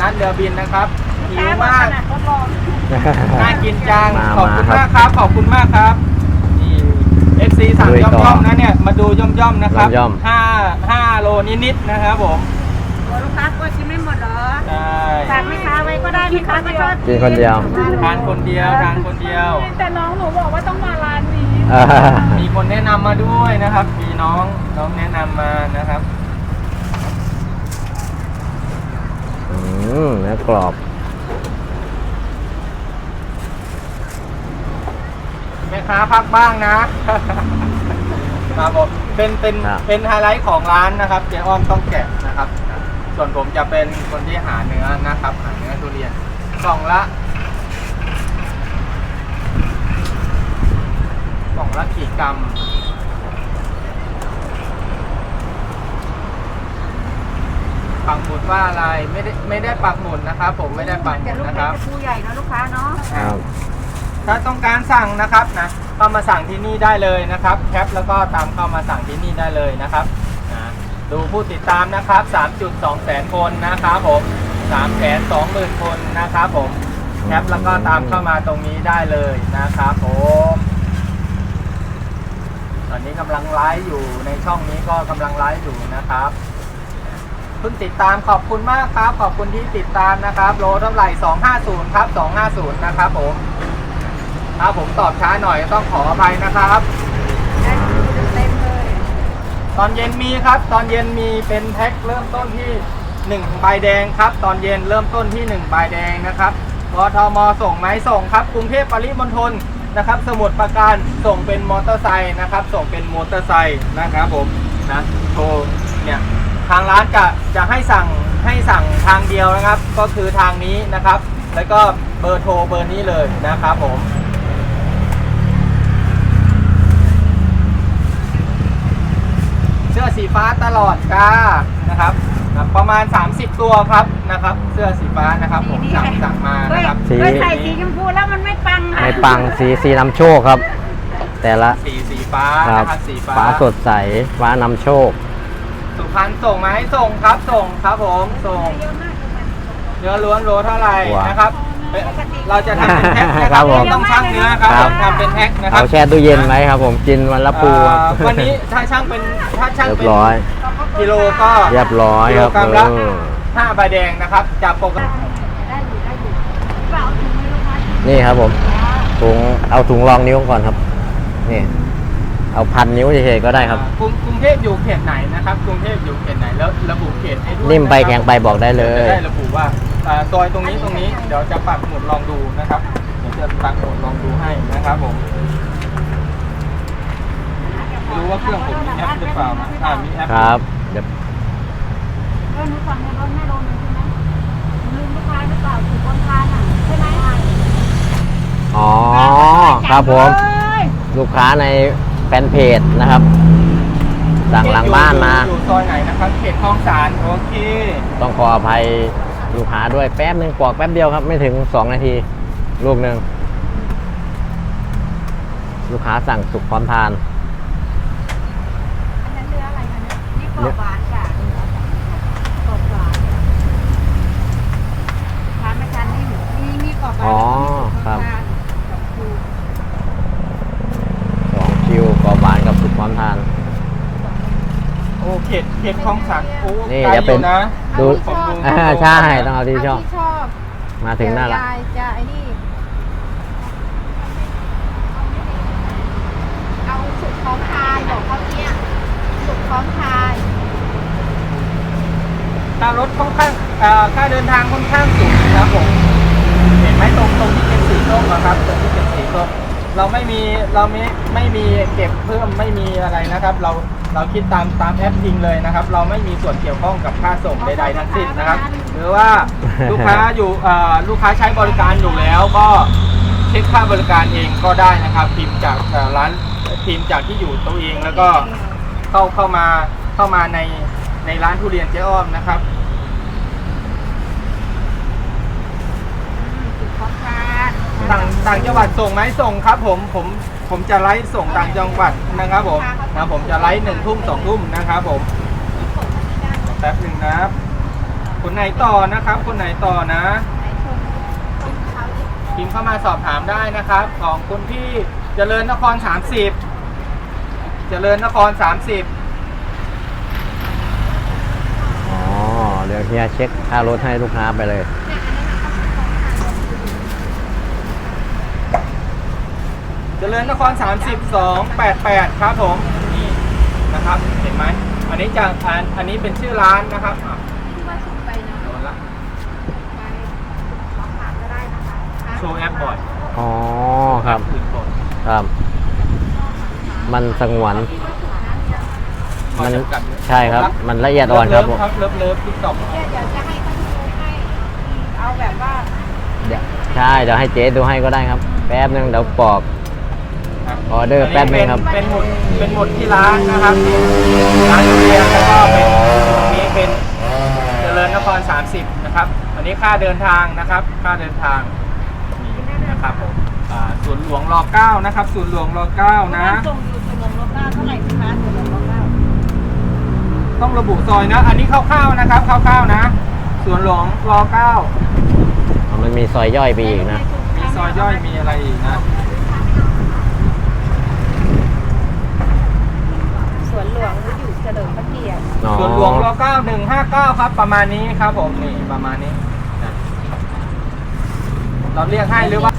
านเรือบินนะครับหิวมากทดลองน่ากินจังมาขอบคุณมาครับมากครับขอบคุณมากครับนี่ FC สั่งลุยต่ย่ออมๆนะเนี่ยมาดูย่อมๆนะครับย่อม 5 โลนิดๆนะครับผมลูกค้ากลัวชิมไม่หมดเหรอใช่ฝากแม่ค้าไว้ก็ได้แม่ค้าก็ชอบกินคนเดียวทานคนเดียวทานคนเดียวแต่น้องหนูบอกว่าต้องมาร้านนี้มีคนแนะนำมาด้วยนะครับ มีน้องแนะนำมานะครับเนื้อกรอบแม่ค้าพักบ้างนะ ครับผมเป็นไฮไลท์ของร้านนะครับเจ๊อ้อมต้องแกะนะครับ ส่วนผมจะเป็นคนที่หาเนื้อนะครับ หาเนื้อทุเรียนกล่องละกี่กรัมปักหมุดว่าอะไรไม่ได้ปักหมุดนะครับ ผมไม่ได้ปักหมุดนะครับจะลูกใหญ่นะลูกค้าเนาะครับถ้าต้องการสั่งนะครับนะเข้ามาสั่งที่นี่ได้เลยนะครับแคปแล้วก็ตามเข้ามาสั่งที่นี่ได้เลยนะครับนะดูผู้ติดตามนะครับ 3.2 แสนคนนะครับผม 320,000 คนนะครับผมแคปแล้วก็ตามเข้ามาตรงนี้ได้เลยนะครับผมตอนนี้กำลังไลฟ์อยู่ในช่องนี้ก็กำลังไลฟ์อยู่นะครับเพิ่งติดตามขอบคุณมากครับขอบคุณที่ติดตามนะครับโลเท่าไหร่250ครับ250นะครับผมถ้าผมตอบช้าหน่อยต้องขออภัยนะครับเต็มเลยตอนเย็นมีครับตอนเย็นมีเป็นแพ็คเริ่มต้นที่1ใบแดงครับตอนเย็นเริ่มต้นที่1ใบแดงนะครับกทมส่งไหมส่งครับกรุงเทพปริมณฑลนะครับสมุทรปราการส่งเป็นมอเตอร์ไซค์นะครับส่งเป็นมอเตอร์ไซค์นะครับผมนะโทรเนี่ยทางร้านจะให้สั่งทางเดียวนะครับก็คือทางนี้นะครับแล้วก็เบอร์โทรเบอร์นี้เลยนะครับผมเสื้อสีฟ้าตลอดจ้านะครับประมาณ30ตัวครับนะครับเสื้อสีฟ้านะครับผมสั่งมานะครับเฮ้ยใส่สีชมพูแล้วมันไม่ปังไม่ปังสีนำโชคครับ แต่ละสีฟ้าครับนะครับสีฟ้าฟ้าสดใสฟ้านำโชคสุพรรณส่งมาให้ส่งครับส่งครับผมส่งเนื้อล้วนโลเท่าไหร่นะครับเราจะทำเป็นแพ็คนะคครัรับบผมต้องชั่งเนื้อครับครับทำเป็นแพ็คนะครัเอาบแช่ตู้เย็นไว้ครับผมกินวันละปูครับวันนี้ถ้าช่างเป็นเรียบร้อยกิโลก็เรียบร้อยครับกิโลกรัมละ5ใบแดงนะครับจากปกติได้อยู่เปล่าถุงมือลูกค้านี่ครับผมถุงเอาถุงรองนิ้วก่อนครับนี่เอาพันนิ้วเฉยๆก็ได้ครับกรุงเทพอยู่เขตไหนนะครับกรุงเทพอยู่เขตไหนแล้วระบุเขตให้ด้วยนิ่มไปะครับแข็งไปบอกได้เลยจะได้ระบุว่าซอยตรงนี้เดี๋ยวจะปักหมุดลองดูนะครับเดี๋ยวจะปักหมุดลองดูให้นะครับผมไม่รู้ว่าเครื่องผมมีแอปหรือเปล่านะมีแอปครับเดี๋ยวหนูสั่งในรถแม่โลนึงใช่ไหมลืมลูกค้าหรือเปล่าถูกคนทานอ่ะใช่ไหมอ๋อครับผมลูกค้าในแฟนเพจนะครับ สั่งหลังบ้านมาอยู่ซอยไหนนะครับเขตคลองสานโอเคต้องขออภัยลูกค้าด้วยแป๊บนึงปอกแป๊บเดียวครับไม่ถึง2 นาทีลูกหนึ่งลูกค้าสั่งสุกพร้อมทานอันนั้นเนื้ออะไรคะเนี่ยนี่กรอบหวานจ้ะกรอบหวานทานไม่ทานนิ่มมีกรอบหวานอ๋อแล้วก็มีครับกรอบชู 2 คิวกรอบหวานกับสุกพร้อมทานโอ้เขตคลองสานโอ้นี่ไกลจะอเป็นยู่นะดูผมดูใช่ต้องเอาที่ชอบชอบมาถึงหน้าละยายจะไอ้นี่เอาสุกพร้อมทานบอกเขาเนี่ยสุกพร้อมทานค่ารถค่อนข้างค่าเดินทางค่อนข้างสูงนะครับผมเห็นไหมตรงที่เป็นสีส้มนะครับตรงที่เป็นสีส้มเราไม่มีเก็บเพิ่มไม่มีอะไรนะครับ เราคิดตามแอปจริงเลยนะครับ เราไม่มีส่วนเกี่ยวข้องกับค่าส่งใดๆทั้งสิ้นนะครับ หรือว่าลูกค้าอยู่ลูกค้าใช้บริการอยู่แล้วก็เช็คค่าบริการเองก็ได้นะครับพิมพ์จากร้านพิมพ์จากที่อยู่ตัวเองแล้วก็เข้ามาในร้านทุเรียนเจ๊อ้อมนะครับสุกพร้อมทานต่างจังหวัดส่งไหมส่งครับผมจะไลฟ์ส่งต่างจังหวัดนะครับผมจะไลฟ์1 ทุ่ม 2 ทุ่มนะครับผมแป๊บหนึ่งนะครับคนไหนต่อนะครับ คนไหนต่อนะพิมพ์เข้ามาสอบถามได้นะครับ ของคุณพี่เจริญนคร 30 เจริญนคร 30 อ๋อ เดี๋ยวเฮียเช็คค่ารถให้ลูกค้าไปเลยเจริญนคร 3288 ครับผมนี่นะครับ เห็นไหมอันนี้จากอันนี้เป็นชื่อร้านนะครับอ่ะโดนละโชว์แอปบ่อยอ๋อ ครับถึงบ่อยครับ มันสงวนข้อจำกัดเยอะใช่ครับ มันละเอียดอ่อนครับผมเลิฟติ๊กต็อกเดี๋ยวจะให้เขาดูให้เอาแบบว่าใช่ เดี๋ยวให้เจ๊ดูให้ก็ได้ครับ แป๊บนึงเดี๋ยวปอก ออเดอร์แป๊บนึงครับเป็นหมุดที่ร้านนะครับร้านเรียนแล้วก็เป็นตรงนี้เป็นเจริญนคร 30 นะครับ อันนี้ค่าเดินทางนะครับ ค่าเดินทางนี่นะครับผมศูนย์หลวงร9นะครับศูนย์หลวงร9นะส่งอยู่ส่วนลงรถบ้านเท่าไหร่พี่คะส่วนลงรถบ้านต้องระบุซอยนะ อันนี้คร่าวๆนะครับคร่าวๆนะศูนย์หลวงร9 มันมีซอยย่อยไปอีกนะมีซอยย่อยมีอะไรอีกนะสวนหลวงก็อยู่เฉลิมพระเกียรติอ๋อส่วนหลวงร9159ครับประมาณนี้ครับผมนี่ประมาณนี้นะเราเรียกให้หรือว่า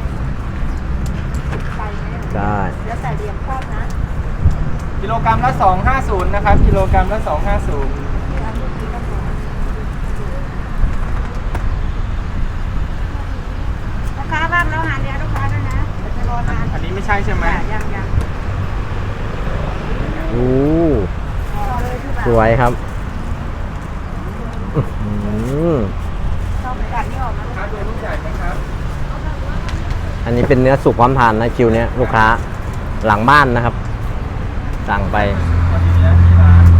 ไปไหมได้แล้วแต่เรียมชอบนะกิโลกรัมละ250นะครับกิโลกรัมละ250 ลูกค้าบ้างแล้วหาเรียนลูกค้าด้วยนะเดี๋ยวจะรอนานอันนี้ไม่ใช่ใช่ไหมยังโอ้รอเลยพี่บ่าวสวยครับอื้อหือชอบกัดนี่ออกมาครับดูลูกใหญ่ไหมครับอันนี้เป็นเนื้อสุกพร้อมทานนะคิวเนี้ยลูกค้าหลังบ้านนะครับ สั่งไปวันนี้นะที่ร้าน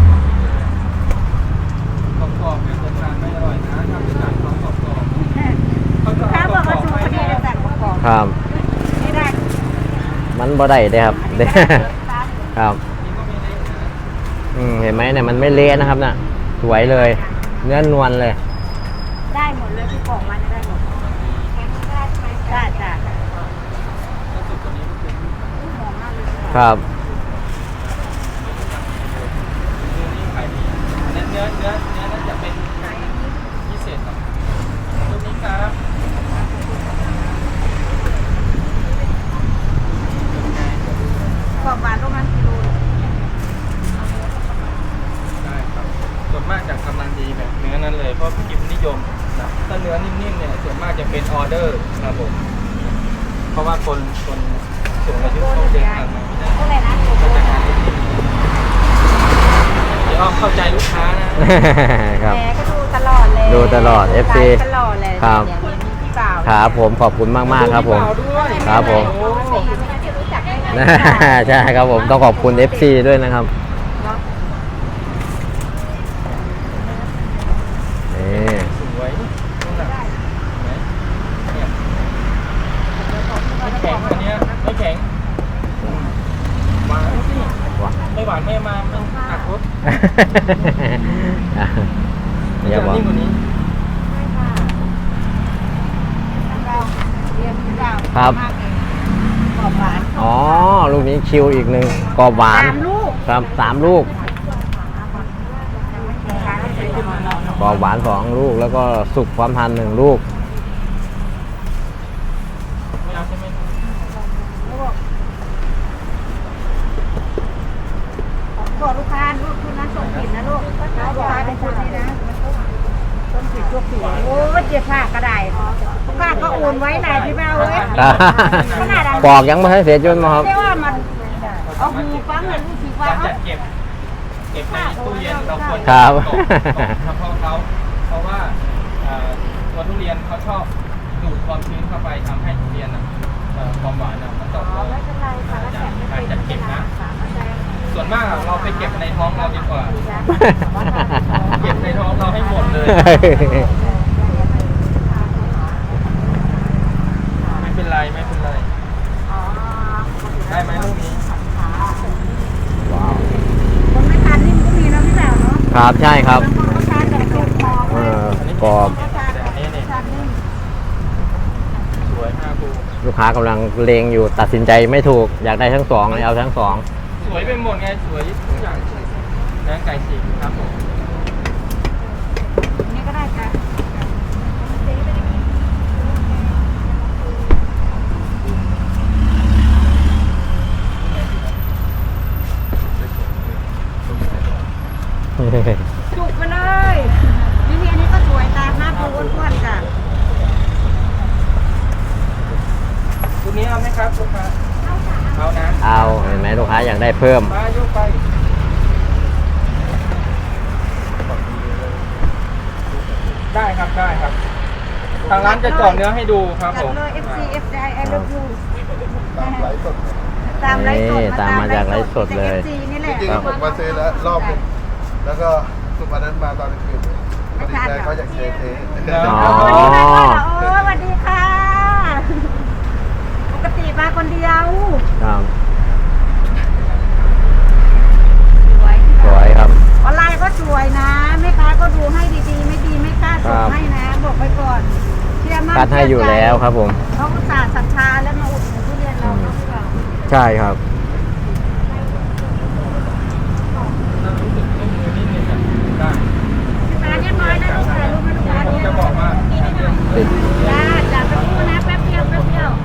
กรอบๆเป็นคนทานไม่อร่อยนะทำเป็นจานกรอบๆลูกค้าบอกว่าชูพอดีจะสั่งกรอบครับไม่ได้มันบ่ได้เด้ครับ เด้ตามครับนี่ก็มีเล็กนะเห็นไหมเนี่ยมันไม่เละนะครับน่ะ สวยเลย เนื้อนวลเลยได้หมดเลยที่กล่องมันได้หมดแข็งได้ใช่ไหมได้จ้ะแล้วสุดตัวนี้ก็คือหอมมากเลยครับเนื้อนี่ขายดีอันนั้นเนื้อน่าจะเป็นพิเศษหน่อยตัวนี้ครับกรอบหวานลูกนั้นกิโลได้ครับส่วนมากจากกำลังดีแบบเนื้อนั้นเลยเพราะกิมนิยมนะถ้าเนื้อนิ่มๆเนี่ยส่วนมากจะเป็นออเดอร์ครับผมเพราะว่าคนสูงอายุเขาเดินทางมาไม่ได้เท่าไหร่นะก็จะทานนิ่มๆเดี๋ยวอ้อมเข้าใจลูกค้านะครับแหมก็ดูตลอดเลยดูตลอด FC ตลอดเลยครับอย่างนี้พี่บ่าวครับผมขอบคุณมากๆครับผม ครับผมโอ้โหไม่ได้รู้จักได้ไงใช่ครับผมต้องขอบคุณ FC ด้วยนะครับเนาะนี่สวยนู่นน่ะเห็นไหมเนี่ยไม่แข็งอันเนี้ยไม่แข็งหวานสิว้าไม่หวานไม่มามันหักรสอย่าบอกนิ่มกว่านี้ใช่ค่ะเราเรียนพี่บ่าวครับมากเลยกรอบหวานอ๋อ ลูกนี้คิวอีกหนึ่งกรอบหวานสามลูกครับ3 ลูกกรอบหวาน2 ลูกแล้วก็สุกพร้อมทาน1 ลูกไม่เอาใช่ไหมบอกลูกค้าลูกคุณนั้นส่งผิดนะลูกแล้วลูกค้าเป็นคนนี้นะส่งผิดตัวผิดโอ้ยเจ็บผ้ากระไดลูกค้าก็โอนไว้ไหนพี่แม่เว้ยขนาดนั้นปอกยังไม่ให้เสียจนมาครับเรียกว่ามันเอาหูฟังเลยลูกสีฟ้าการจัดเก็บในตู้เย็นเราควรจะครับกรอบเฉพาะเขาเพราะว่าตัวทุเรียนเขาชอบดูดความชื้นเข้าไปทำให้ทุเรียนความหวานมันตกลงไม่เป็นไรค่ะแล้วแถมไม่เป็นส่วนมากเราไปเก็บในท้องเราดีกว่า เก็บในท้องเราให้หมดเลย ไม่เป็นไรไม่เป็นไร ได้ไหมลูกนี้ว้าวคนไม่ทานนี่มันก็มีนะพี่แป๋วเนาะครับใช่ครับบางคนก็ทานแต่ตัวพอเออกรอบแต่อันนี้เนี่ยสวย5ภูลูกค้ากำลังเลงอยู่ตัดสินใจไม่ถูกอยากได้ทั้งสองเลยเอาทั้งสองสวยไปหมดไงสวยทุกอย่างเนื้อไก่ฉีกครับผมนี่ก็ได้ค่ะ จุกไปเลยนี่อันนี้ก็สวยตา5ภูอ้วนๆค่ะตัวนี้เอาไหมครับลูกค้าเอานะเอาเห็นไหมลูกค้าอยากได้เพิ่มมายกไปได้ครับได้ครับ ทางร้านจะเจาะเนื้อให้ดูครับจัผดมเลย FC FJ I love you ตามไลฟ์สดตามไลฟ์สดนี่ตามมาจากไลฟ์สดเลย FC นี่แหละจริงๆผมมาซื้อแล้วรอบหนึงแล้วก็สุวันนั้นมาตอนกลางคืนพอดีแฟนเขาอยากเทอ๋อสวัสดีค่ะโอ้สวัสดีค่ะ ปกติมาคนเดียวครับสวยสวยครับออนไลน์ก็สวยนะแม่ค้าก็ดูให้ดีๆ ไม่ดีไม่กล้าส่งให้นะ บอกไปก่อนเชื่อมั่นคัดให้อยู่แล้วครับผมเขาอุตส่าห์ศรัทธาแล้วมาอุดหนุนทุเรียนเราเนาะพี่บ่าวใช่ครับได้มาเรียบร้อยนะลูกค้ารู้ไหมลูกค้าผมเนี่ยจะบอกว่าติดจ้าจ้าไปพูดนะแป๊บเดียวแป๊บเดียว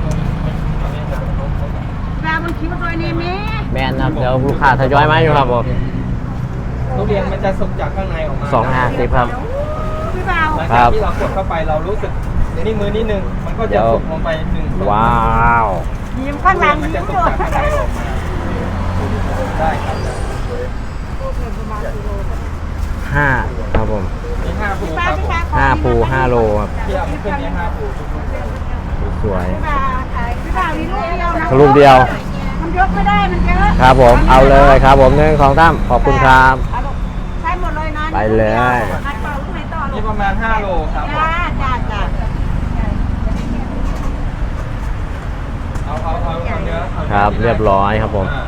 ดาวบนคิ้วตัวนี้แม่แมนครับเดี๋ยวลูกค้าทยอยมาอยู่ครับผมทุเรียนมันจะสุกจากข้างในออกมา 250ครับพี่บ่าวหลังจากที่เรากดเข้าไปเรารู้สึกนี่มือนิดนึงมันก็จะสุกลงไป1 ว้าวยิ้มข้างหลังมันยิ้จะมสุกด้วยจากข้างในออกมาได้ครับ 5ครับผมมี5ภูป้าครับพี่ผมชาย 5ภู5โลครับที่เอาขึ้นนี้5ภูสวยพี่บ่าวนี่ลูกเดียวนะรูปเดียวมันยกไม่ได้มันเยอะครับผมเอาเลยครับผม1 2 3ขอบคุณครับเอาลูกใช้หมดเลยนะไปเลยอัดต่อลูกไหนต่อลูนี่กประมาณ5โลครับผมจ้าจ้าเอาเนื้อครับเรียบร้อยครับผมอ่า